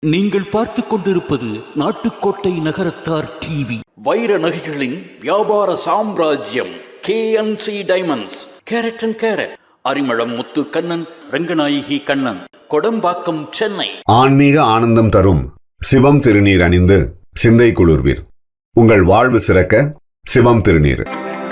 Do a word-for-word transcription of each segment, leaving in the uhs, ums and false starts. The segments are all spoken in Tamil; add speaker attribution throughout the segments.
Speaker 1: நீங்கள் பார்த்து கொண்டிருப்பது நாட்டுக்கோட்டை நகரத்தார் டிவி. வைர நகைகளின் வியாபார சாம்ராஜ்யம் K N C diamonds. Carat and carat, Arimalam Muthu Kannan, Ranganayaki Kannan, Kodambakkam, Chennai.
Speaker 2: ஆன்மீக ஆனந்தம் தரும் சிவம் திருநீர் அணிந்து சிந்தை குளிர்வீர். உங்கள் வாழ்வு சிறக்க சிவம் திருநீர்.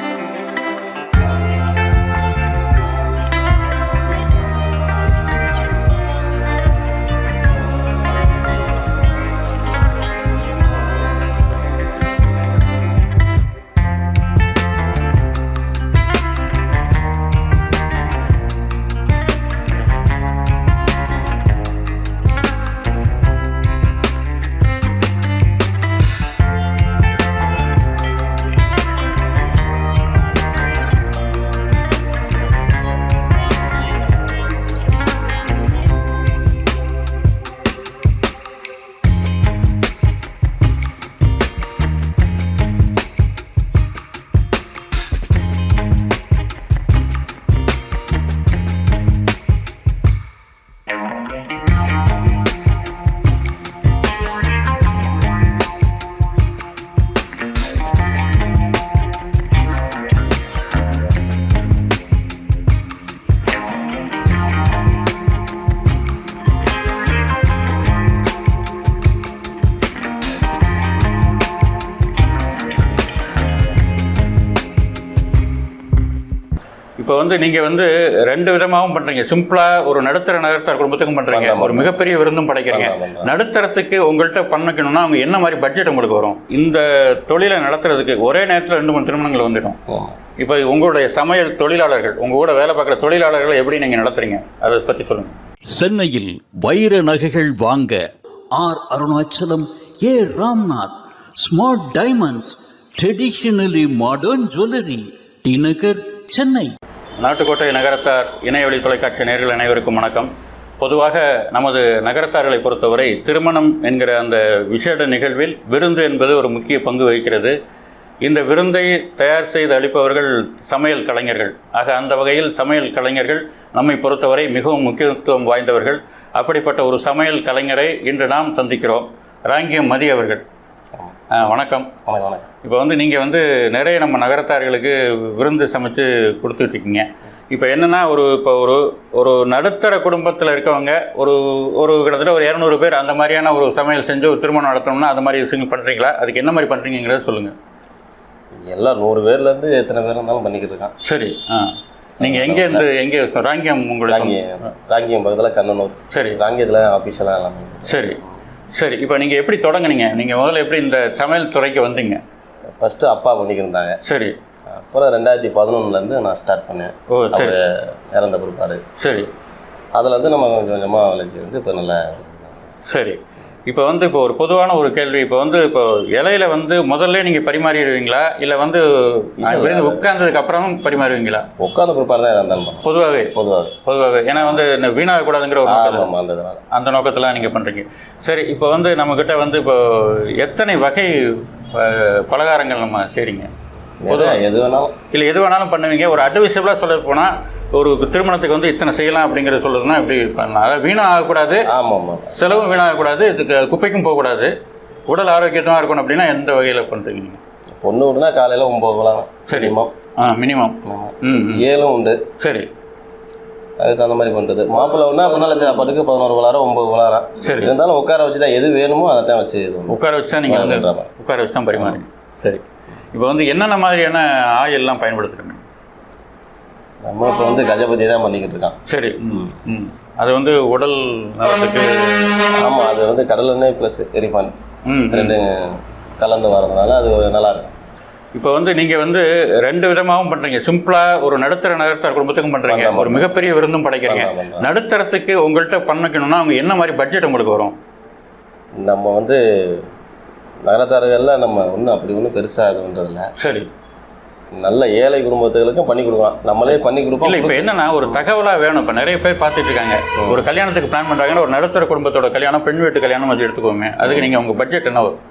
Speaker 3: இப்போ வந்து நீங்கள் வந்து ரெண்டு விதமாகவும் பண்ணுறீங்க. சிம்பிளாக ஒரு நடுத்தர நகரத்தார் குடும்பத்துக்கும் பண்ணுறீங்க, ஒரு மிகப்பெரிய விருந்தும் படைக்கிறீங்க. நடுத்தரத்துக்கு உங்கள்கிட்ட பண்ணிக்கணும்னா அவங்க என்ன மாதிரி பட்ஜெட் உங்களுக்கு வரும்? இந்த தொழிலை நடத்துறதுக்கு ஒரே நேரத்தில் ரெண்டு மூணு திருமணங்கள் வந்துடும். இப்போ உங்களுடைய சமையல் தொழிலாளர்கள், உங்கள் கூட வேலை பார்க்குற தொழிலாளர்களை எப்படி நீங்கள் நடத்துறீங்க, அதை பற்றி சொல்லுங்கள்.
Speaker 1: சென்னையில் வைர நகைகள் வாங்க R Arunachalam, A Ramnath, smart diamonds, traditionally modern jewellery, T Nagar, Chennai.
Speaker 3: Nattukottai Nagarathar இணையவழி தொலைக்காட்சி நேயர்கள் அனைவருக்கும் வணக்கம். பொதுவாக நமது நகரத்தார்களை பொறுத்தவரை திருமணம் என்கிற அந்த விசேட நிகழ்வில் விருந்து என்பது ஒரு முக்கிய பங்கு வகிக்கிறது. இந்த விருந்தை தயார் செய்து அளிப்பவர்கள் சமையல் கலைஞர்கள். ஆக அந்த வகையில் சமையல் கலைஞர்கள் நம்மை பொறுத்தவரை மிகவும் முக்கியத்துவம் வாய்ந்தவர்கள். அப்படிப்பட்ட ஒரு சமையல் கலைஞரை இன்று நாம் சந்திக்கிறோம். ராங்கியம் மதி அவர்கள், வணக்கம்.
Speaker 4: வணக்கம்.
Speaker 3: இப்போ வந்து நீங்கள் வந்து நிறைய நம்ம நகரத்தார்களுக்கு விருந்து சமைச்சு கொடுத்துட்ருக்கீங்க. இப்போ என்னென்னா, ஒரு இப்போ ஒரு ஒரு நடுத்தர குடும்பத்தில் இருக்கவங்க ஒரு ஒரு கிட்டத்தட்ட ஒரு இரநூறு பேர் அந்த மாதிரியான ஒரு சமையல் செஞ்சு ஒரு திருமணம் நடத்தணும்னா அந்த மாதிரி விஷயங்கள் பண்ணுறீங்களா? அதுக்கு என்ன மாதிரி பண்ணுறீங்கிறத சொல்லுங்கள்.
Speaker 4: எல்லாம் நூறு பேர்லேருந்து எத்தனை பேர் இருந்தாலும் பண்ணிக்கிட்டு இருக்கான்.
Speaker 3: சரி. ஆ நீங்கள் எங்கேருந்து எங்கே? ராங்கியம். உங்களுக்கு
Speaker 4: ராங்கியம் ராங்கியம் பக்கத்தில் கண்ணனூர்.
Speaker 3: சரி.
Speaker 4: ராங்கியத்தில் ஆஃபீஸெல்லாம் எல்லாமே.
Speaker 3: சரி சரி. இப்போ நீங்கள் எப்படி தொடங்குனீங்க? நீங்கள் முதல்ல எப்படி இந்த சமையல் துறைக்கு வந்தீங்க?
Speaker 4: ஃபஸ்ட்டு அப்பா பண்ணிக்கிருந்தாங்க.
Speaker 3: சரி.
Speaker 4: அப்புறம் ரெண்டாயிரத்தி பதினொன்றுலேருந்து நான் ஸ்டார்ட் பண்ணேன்.
Speaker 3: ஓ சரி.
Speaker 4: இறந்த பொறுப்பாரு.
Speaker 3: சரி.
Speaker 4: அதுலேருந்து நம்ம கொஞ்சம் கொஞ்சமாக வளர்ச்சி வந்து இப்போ நல்லா.
Speaker 3: சரி. இப்போ வந்து இப்போ ஒரு பொதுவான ஒரு கேள்வி, இப்போ வந்து இப்போ இலையில வந்து முதல்ல நீங்கள் பரிமாறிடுவீங்களா, இல்லை வந்து உட்கார்ந்ததுக்கு அப்புறம் பரிமாறுவீங்களா?
Speaker 4: உட்கார்ந்த பொறுப்பாக தான் இருந்தாலும்
Speaker 3: பொதுவாகவே பொதுவாக பொதுவாகவே ஏன்னா வந்து வீணாகக்கூடாதுங்கிற ஒரு
Speaker 4: அந்த
Speaker 3: அந்த நோக்கத்தில் நீங்கள் பண்ணுறீங்க. சரி. இப்போ வந்து நம்மக்கிட்ட வந்து இப்போ எத்தனை வகை பலகாரங்கள் நம்ம செய்கிறீங்க?
Speaker 4: பொதுவாக எது வேணாலும்
Speaker 3: இல்லை எது வேணாலும் பண்ணுவீங்க. ஒரு அட்வைசபிளாக சொல்ல போனால் ஒரு திருமணத்துக்கு வந்து இத்தனை செய்யலாம் அப்படிங்கிறத சொல்லுறதுன்னா எப்படி பண்ணலாம்? அதாவது வீணாக ஆகக்கூடாது.
Speaker 4: ஆமாம் ஆமாம்.
Speaker 3: செலவும் வீணாகக்கூடாது, இதுக்கு குப்பைக்கும் போகக்கூடாது, உடல் ஆரோக்கியமாக இருக்கணும். அப்படின்னா எந்த வகையில் பண்ணுறீங்க நீங்கள்?
Speaker 4: பொண்ணு விட்டுனா காலையில் ஒம்பது விளாம்.
Speaker 3: சரி. ஆ மினிமம். ம்
Speaker 4: ஏழும் உண்டு.
Speaker 3: சரி.
Speaker 4: அதுக்கு தகுந்த மாதிரி பண்ணுறது. மாப்பிள்ளை ஒன்றா பின்னால் சாப்பாட்டுக்கு பதினோரு விளாரம் ஒம்பது விளாரம். சரி. இருந்தாலும் உட்கார வச்சு தான் எது வேணுமோ அதை தான் வச்சு
Speaker 3: உட்கார வச்சு தான் நீங்கள் வந்து உட்கார வச்சு தான் பரிமாறுங்க. சரி. இப்போ வந்து என்னென்ன மாதிரியான ஆயிலெலாம் பயன்படுத்துகிறீங்க?
Speaker 4: நம்ம இப்போ வந்து கஜபதி தான் பண்ணிக்கிட்டு இருக்கான்.
Speaker 3: சரி. ம் ம் அது வந்து உடல் நலத்துக்கு.
Speaker 4: ஆமாம், அது வந்து கடல் எண்ணெய் ப்ளஸ் எரிபான் ரெண்டு கலந்து வரதுனால அது நல்லாயிருக்கும்.
Speaker 3: இப்போ வந்து நீங்கள் வந்து ரெண்டு விதமாகவும் பண்ணுறீங்க. சிம்பிளாக ஒரு நடுத்தர நகரத்தார் குடும்பத்துக்கும் பண்ணுறீங்க, ஒரு மிகப்பெரிய விருந்தும் படைக்கிறீங்க. நடுத்தரத்துக்கு உங்கள்கிட்ட பண்ணிக்கணும்னா அவங்க என்ன மாதிரி பட்ஜெட் உங்களுக்கு வரும்?
Speaker 4: நம்ம வந்து நகரத்தார்கள்லாம் நம்ம ஒன்றும் அப்படி ஒன்றும் பெருசாக இது பண்ணுறதில்ல.
Speaker 3: சரி.
Speaker 4: நல்ல ஏழை குடும்பத்துகளுக்கும் பண்ணி கொடுக்கலாம், நம்மளே பண்ணி கொடுப்போம்.
Speaker 3: இல்லை இப்போ என்னன்னா ஒரு தகவலாக வேணும். இப்போ நிறைய பேர் பார்த்துட்டு இருக்காங்க, ஒரு கல்யாணத்துக்கு பிளான் பண்ணுறாங்கன்னா ஒரு நடுத்தர குடும்பத்தோட கல்யாணம், பெண் வீட்டு கல்யாணம் அது எடுத்துக்கோங்க. அதுக்கு நீங்கள் உங்கள் பட்ஜெட் என்ன வரும்?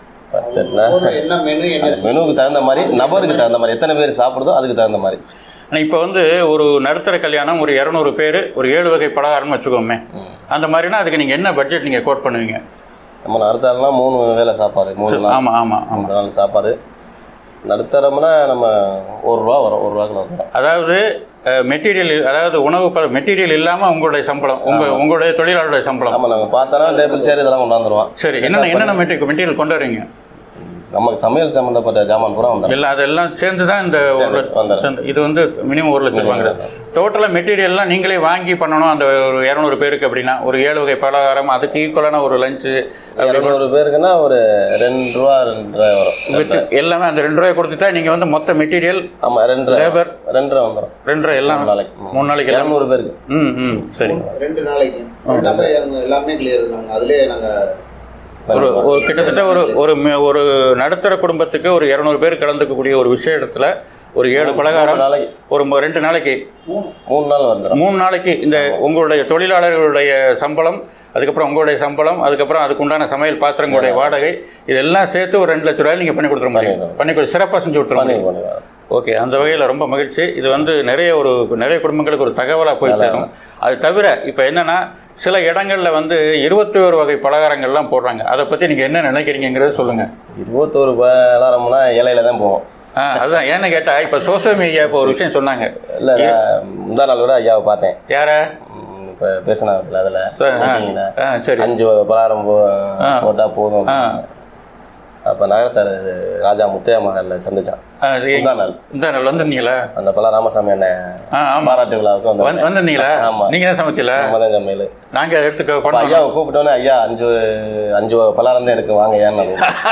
Speaker 4: பட்ஜெட்னா என்ன மெனு, என்ன மெனுவுக்கு தகுந்த மாதிரி, நபருக்கு தகுந்த மாதிரி, எத்தனை பேர் சாப்பிடுதோ அதுக்கு தகுந்த மாதிரி.
Speaker 3: ஆனால் இப்போ வந்து ஒரு நடுத்தர கல்யாணம் ஒரு இரநூறு பேர் ஒரு ஏழு வகை பலகாரம்னு வச்சுக்கோமே, அந்த மாதிரினா அதுக்கு நீங்கள் என்ன பட்ஜெட் நீங்கள் கோட் பண்ணுவீங்க?
Speaker 4: நம்ம நடுத்தரம்னா மூணு வேளை சாப்பாடு, மூணு நாள்.
Speaker 3: ஆமாம் ஆமாம் ஆமாம்
Speaker 4: மூணு நாள் சாப்பாடு. நடுத்தரம்னா நம்ம ஒரு ரூபா வரும், ஒரு ரூபாய்க்குள்ள வந்துடும்.
Speaker 3: அதாவது மெட்டீரியல், அதாவது உணவு ப மெட்டீரியல் இல்லாமல் உங்களுடைய சம்பளம், உங்கள் உங்களுடைய தொழிலாளருடைய சம்பளம்.
Speaker 4: ஆமாம், நாங்கள் பார்த்தோன்னா டேபிள் சேர் இதெல்லாம் கொண்டாந்துருவோம்.
Speaker 3: சரி, என்னென்ன என்னென்ன மெட்டீரியல் மெட்டீரியல் கொண்டு வரீங்க?
Speaker 4: நமக்கு சமையல் சம்மந்தப்பட்ட ஜாமான் பூரா வந்துடும்.
Speaker 3: இல்லை, அதெல்லாம் சேர்ந்து தான் இந்த ஒரு இது வந்து மினிமம் ஒரு லட்சம் வாங்குறது. டோட்டலாக மெட்டீரியல்லாம் நீங்களே வாங்கி பண்ணணும். அந்த ஒரு இரநூறு பேருக்கு அப்படின்னா ஒரு ஏழு வகை பலகாரம், அதுக்கு ஈக்குவலான ஒரு லஞ்சு.
Speaker 4: இரநூறு பேருக்குன்னா ஒரு ரெண்டு ரூபா ரெண்டு ரூபாய் வரும்.
Speaker 3: எல்லாமே அந்த ரெண்டு ரூபாய் கொடுத்துட்டா நீங்கள் வந்து மொத்த மெட்டீரியல்.
Speaker 4: ஆமாம், ரெண்டு லேபர் ரெண்டு ரூபா வந்துடும். ரெண்டு ரூபா எல்லாம் நாளைக்கு மூணு நாளைக்கு இரநூறு பேருக்கு. ம் ம் சரி,
Speaker 5: ரெண்டு நாளைக்கு எல்லாமே கிளியர். நாங்கள் அதிலே நாங்கள்
Speaker 3: ஒரு ஒரு கிட்டத்தட்ட ஒரு ஒரு ஒரு நடுத்தர குடும்பத்துக்கு ஒரு இரநூறு பேர் கலந்துக்கக்கூடிய ஒரு விஷய இடத்துல ஒரு ஏழு பலகாரம் நாளைக்கு ஒரு ரெண்டு நாளைக்கு
Speaker 4: மூணு நாள் வந்துடும்.
Speaker 3: மூணு நாளைக்கு இந்த உங்களுடைய தொழிலாளர்களுடைய சம்பளம், அதுக்கப்புறம் உங்களுடைய சம்பளம், அதுக்கப்புறம் அதுக்குண்டான சமையல் பாத்திரங்களுடைய வாடகை, இதெல்லாம் சேர்த்து ஒரு ரெண்டு லட்ச ரூபாய் நீங்கள் பண்ணி கொடுத்துட முடியும். பண்ணி கொடு சிறப்பாக செஞ்சு விட்டுருவோம். ஓகே, அந்த வகையில் ரொம்ப மகிழ்ச்சி. இது வந்து நிறைய ஒரு நிறைய குடும்பங்களுக்கு ஒரு தகவலாக போய் சேரும். அது தவிர இப்போ என்னென்னா சில இடங்களில் வந்து இருபத்தி ஒரு வகை பலகாரங்கள்லாம் போடுறாங்க. அதை பற்றி நீங்கள் என்ன நினைக்கிறீங்கிறத சொல்லுங்கள்.
Speaker 4: இருபத்தோரு பலகாரம்னா இலையில தான் போவோம்.
Speaker 3: ஆ, அதுதான் ஏன்னு கேட்டால் இப்போ சோசியல் மீடியா இப்போ ஒரு விஷயம் சொன்னாங்க.
Speaker 4: இல்லை, முந்தா நாள் கூட ஐயாவை பார்த்தேன்.
Speaker 3: யாரை?
Speaker 4: இப்போ பேசினதில் அதில்
Speaker 3: சரி,
Speaker 4: அஞ்சு பலகாரம் போ போட்டால் போதும். அப்போ நகரத்தார் ராஜா முத்தையா மகளில் சந்திச்சான். இந்த நாள் இந்த நாள் வந்துருந்தீங்களா? அந்த பல ராமசாமி அண்ணன் பாராட்டு விழாவுக்கு வந்து வந்துருந்தீங்களா? ஆமாம், நீங்கள் தான் சமைக்கல? நம்ம தான் சமையல். நாங்கள் எடுத்துக்க ஐயாவை கூப்பிட்டோன்னே, ஐயா அஞ்சு அஞ்சு பலாரம் தான் இருக்கு, வாங்க ஏன்னு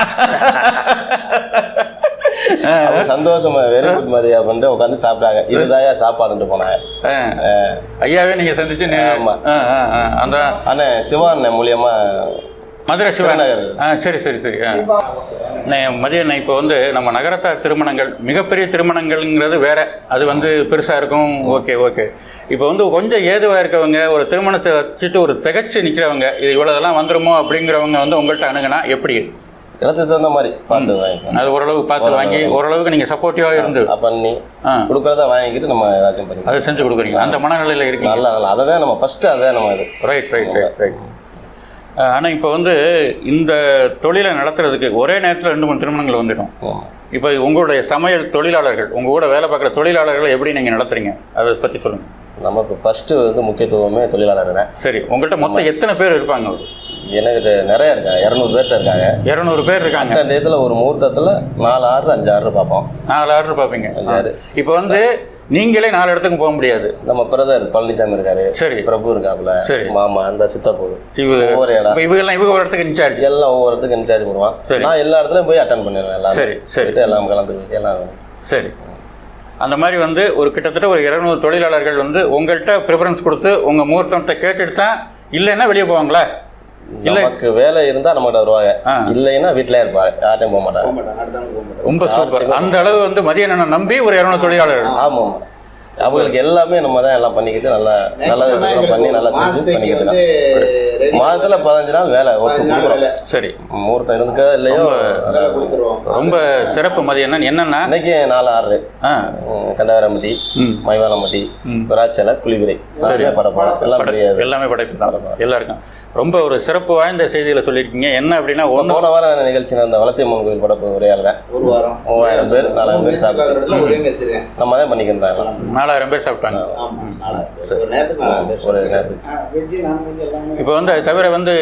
Speaker 4: சந்தோஷமா வெரி குட் மாதிரி அப்படின்ட்டு உட்காந்து சாப்பிட்டாங்க. இதுதான் சாப்பாடுன்ட்டு போனாங்க.
Speaker 3: ஐயாவே நீங்கள் சந்திச்சு?
Speaker 4: ஆமாம்,
Speaker 3: அந்த
Speaker 4: அண்ணன் சிவான் மூலியமா
Speaker 3: மதுரை சிவநகர். ஆ சரி சரி சரி. மதியம் இப்போ வந்து நம்ம நகரத்தார் திருமணங்கள் மிகப்பெரிய திருமணங்கள்ங்கிறது வேற, அது வந்து பெருசாக இருக்கும். Okay okay. இப்போ வந்து கொஞ்சம் ஏதுவாக இருக்கவங்க, ஒரு திருமணத்தை வச்சுட்டு ஒரு திகச்சு நிற்கிறவங்க, இது இவ்வளோதெல்லாம் வந்துடுமோ அப்படிங்கிறவங்க வந்து உங்கள்கிட்ட அணுகுனா எப்படி?
Speaker 4: இடத்துக்கு தகுந்த மாதிரி பார்த்து வாங்கி,
Speaker 3: அது ஓரளவு பார்த்து வாங்கி ஓரளவுக்கு நீங்கள் சப்போர்ட்டிவாக இருந்து
Speaker 4: பண்ணி கொடுக்குறத வாங்கிக்கிட்டு நம்ம ஏதாச்சும் பண்ணி
Speaker 3: அதை செஞ்சு கொடுக்குறீங்க. அந்த மனநிலையில் இருக்கு.
Speaker 4: நல்லா நல்லா அதை தான் நம்ம ஃபஸ்ட்டு அதை நம்ம இது
Speaker 3: ரைட் ரைட் ரைட் ரைட். ஆனால் இப்போ வந்து இந்த தொழிலை நடத்துறதுக்கு ஒரே நேரத்தில் ரெண்டு மூணு திருமணங்கள் வந்துடும். இப்போ உங்களுடைய சமையல் தொழிலாளர்கள், உங்கள் கூட வேலை பார்க்குற தொழிலாளர்களை எப்படி நீங்கள் நடத்துறீங்க, அதை பற்றி சொல்லுங்கள்.
Speaker 4: நமக்கு ஃபஸ்ட்டு வந்து முக்கியத்துவமே தொழிலாளர் தான்.
Speaker 3: சரி, உங்கள்கிட்ட மொத்தம் எத்தனை பேர் இருப்பாங்க?
Speaker 4: எனக்கு நிறைய இருக்காங்க, இரநூறு பேர்கிட்ட இருக்காங்க.
Speaker 3: இரநூறு பேர் இருக்காங்க.
Speaker 4: அந்த இதில் ஒரு முகூர்த்தத்தில் நாலு ஆர்டர் அஞ்சு ஆர்டர் பார்ப்போம்.
Speaker 3: நாலு ஆர்டர் பார்ப்பீங்க. அஞ்சாறு. இப்போ வந்து நீங்களே நாலு இடத்துக்கு போக முடியாது. நம்ம பிரதர் பழனிசாமி இருக்காரு, சரி, பிரபு இருக்காப்புல, சரி, மாமா அந்த சித்தப்பு, ஒவ்வொரு இடம் இவங்கெல்லாம் இவங்க ஒரு இடத்துக்கு இன்சார்ஜ், எல்லாம் ஒவ்வொரு இடத்துக்கு இன்சார்ஜ் பண்ணுவான். நான் எல்லா இடத்துலையும் போய் அட்டன் பண்ணிடுவேன். எல்லாம் சரி சரி எல்லாம் கலந்து எல்லாம் சரி. அந்த மாதிரி வந்து ஒரு கிட்டத்தட்ட ஒரு இருநூறு தொழிலாளர்கள் வந்து உங்கள்கிட்ட ப்ரிஃபரன்ஸ் கொடுத்து உங்கள் முகூர்த்தத்தை கேட்டுட்டு தான், இல்லைன்னா வெளியே போவாங்களா? நமக்கு வேலை இருந்தால் நம்மகிட்ட வருவாங்க, இல்லைன்னா வீட்டிலே இருப்பாங்க, யார்ட்டையும் போக மாட்டாங்க. ரொம்ப சூப்பர். அந்த அளவு வந்து மதியான நம்பி ஒரு இரநூறு தொழிலாளர்கள். ஆமாம், அவங்களுக்கு எல்லாமே நம்ம தான் எல்லாம் பண்ணிக்கிட்டு நல்லா நல்லா பண்ணி நல்லா செஞ்சு பண்ணிக்கிட்டு மாதத்தில் பதினஞ்சு நாள் வேலை ஒர்க்கு கொடுக்குறோம். சரி, முகூர்த்தம் இருந்துக்கா இல்லையோ ரொம்ப சிறப்பு. மதியம் என்னன்னா இன்னைக்கு நாலு ஆறு கண்டகரம்பட்டி, மைவானம்பட்டி, விராச்சலை, குளிவிரை படப்படம் எல்லாம் எல்லாமே படைப்பு தான் எல்லாருக்கும். ரொம்ப ஒரு சிறப்பு வாய்ந்த செய்திகளை சொல்லியிருக்கீங்க. என்ன அப்படின்னா ஒன்று போன வாரம் நிகழ்ச்சி நடந்த வளத்தியம்மன் கோயில் படப்பு ஒரே ஆள் தான். ஒரு வாரம் மூவாயிரம் பேர் நாலாயிரம் பேர் சாப்பிட்டு நம்ம தான் பண்ணிக்கிறோம். நாலாயிரம் பேர் சாப்பிட்டாங்க ஒரு நேரத்துக்கு. இப்போ வந்து அது தவிர வந்து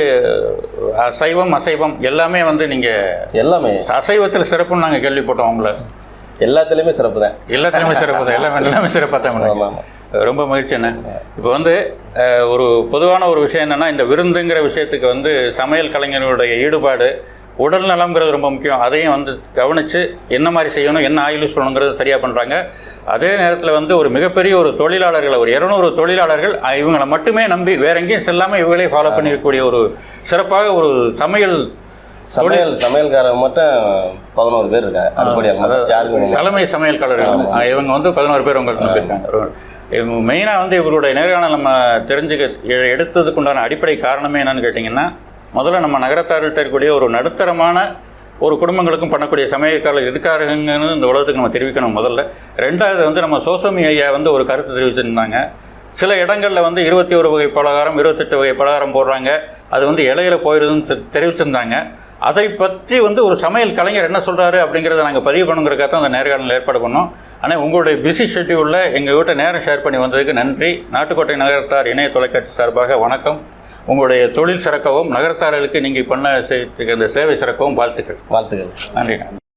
Speaker 3: அசைவம் அசைவம் எல்லாமே வந்து நீங்கள் எல்லாமே அசைவத்தில் சிறப்புன்னு நாங்கள் கேள்விப்பட்டோம். உங்களை எல்லாத்துலேயுமே சிறப்பு தான். எல்லாத்துலேயுமே சிறப்பு தான். எல்லாமே எல்லாமே சிறப்பாக தான். ஆமாம், ரொம்ப மகிழ்ச்சி. என்ன இப்போ வந்து ஒரு பொதுவான ஒரு விஷயம் என்னென்னா, இந்த விருந்துங்கிற விஷயத்துக்கு வந்து சமையல் கலைஞர்களுடைய ஈடுபாடு, உடல் நலம்ங்கிறது ரொம்ப முக்கியம். அதையும் வந்து கவனித்து என்ன மாதிரி செய்யணும், என்ன ஆயில் யூஸ் பண்ணணுங்கிறது சரியாக பண்ணுறாங்க. அதே நேரத்தில் வந்து ஒரு மிகப்பெரிய ஒரு தொழிலாளர்களை ஒரு இரநூறு தொழிலாளர்கள் இவங்களை மட்டுமே நம்பி வேற எங்கேயும் செல்லாமல் இவங்களே ஃபாலோ பண்ணியிருக்கக்கூடிய ஒரு சிறப்பாக ஒரு சமையல் சமையல் சமையல்காரங்க மட்டும் பதினோரு பேர் இருக்காங்க. அடிப்படையாக யாருக்கும் தலைமை சமையல்காரர்கள் இவங்க வந்து பதினோரு பேர் உங்களுக்கு நம்பியிருக்காங்க. மெயினாக வந்து இவருடைய நேர்காணல் நம்ம தெரிஞ்சுக்க எடுத்ததுக்கு உண்டான அடிப்படை காரணமே என்னன்னு கேட்டிங்கன்னா, முதல்ல நம்ம நகரத்தார்கள்ட்ட இருக்கக்கூடிய ஒரு நடுத்தரமான ஒரு குடும்பங்களுக்கும் பண்ணக்கூடிய சமையல்காரர்கள் இருக்காருங்கன்னு இந்த உலகத்துக்கு நம்ம தெரிவிக்கணும் முதல்ல. ரெண்டாவது வந்து நம்ம சோசமி ஐயா வந்து ஒரு கருத்து தெரிவிச்சிருந்தாங்க. சில இடங்களில் வந்து இருபத்தி ஒரு வகை பலகாரம் இருபத்தெட்டு வகை பலகாரம் போடுறாங்க, அது வந்து இலையில போயிடுதுன்னு தெரிவிச்சிருந்தாங்க. அதை பற்றி வந்து ஒரு சமையல் கலைஞர் என்ன சொல்கிறாரு அப்படிங்கிறத நாங்கள் பதிவு பண்ணுங்கிறதுக்காக தான் அந்த நேர்காணல் ஏற்பாடு பண்ணோம். ஆனால் உங்களுடைய பிஸி ஷெட்யூலில் எங்கள் வீட்டை நேரம் ஷேர் பண்ணி வந்ததுக்கு நன்றி. நாட்டுக்கோட்டை நகரத்தார் இணைய தொலைக்காட்சி சார்பாக வணக்கம். உங்களுடைய தொழில் சிறக்கவும் நகரத்தார்களுக்கு நீங்கள் பண்ண இந்த சேவை சிறக்கவும் வாழ்த்துக்கள்.
Speaker 4: வாழ்த்துக்கள்.
Speaker 3: நன்றி.